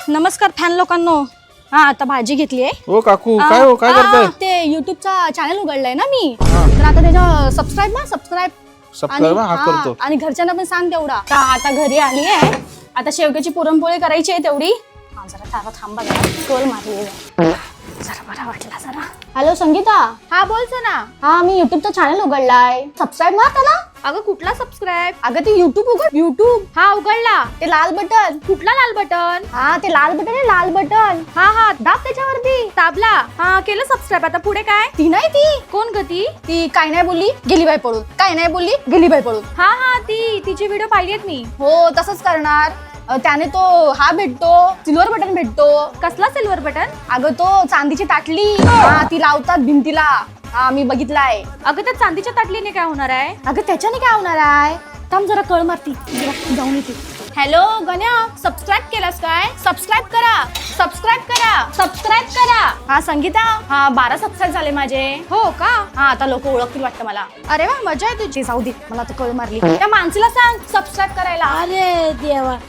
नमस्कार फॅन लोकांनो. हा आता भाजी घेतली आहे. ओ काकू काय हो काय करताय? ते युट्यूबचा चॅनल उघडलाय ना मी, तर आता त्याच्या सबस्क्राईब हा करतो. आणि घरच्यांना पण सांग तेवढा. आता घरी आली आहे, आता शेवग्याची पुरणपोळी करायची आहे तेवढी. जरा थांबा, कल मारली जरा बरा वाटला जरा. हॅलो संगीता. हा बोलतो ना. हा मी युट्यूबचा चॅनल उघडलाय, सबस्क्राईब मार त्याला. अगं कुठला सबस्क्राईब? अगं ते युट्यूब उघड, युट्यूब. हा उघडला. ते लाल बटन. कुठला लाल बटन? हा ते लाल बटन आहे, लाल बटन. हा दाब त्याच्यावरती. ताबला. हा केलं सबस्क्राईब. आता पुढे काय? ती नाही ती. कोण ग ती? ती काय नाही बोलली गेली बाई पळून, काय नाही बोलली गेली बाई पळून. हा तिची व्हिडिओ पाहिलीत मी. हो तसंच करणार. त्याने तो हा भेटतो, सिल्वर बटन भेटतो. कसला सिल्वर बटन? अगं तो चांदीची ताटली, हा ती लावतात भिंतीला. हा मी बघितलाय. अगं त्या चांदीच्या ताटलीने काय होणार आहे? अगं त्याच्याने काय होणार आहे? थांब जरा कळ मारती, जरा जाऊन येते. हॅलो गण्या, सबस्क्राईब केलास काय? सबस्क्राईब करा, सबस्क्राईब करा, सबस्क्राईब करा. हा संगीता, हा 12 सबस्क्राईब झाले माझे. हो का? हा आता लोक ओळखतील वाटतं मला. अरे वा, मजा आहे तुझी. जाऊ दे, मला तर कळ मारली. त्या माणसाला सांग सबस्क्राईब करायला. अरे देवा,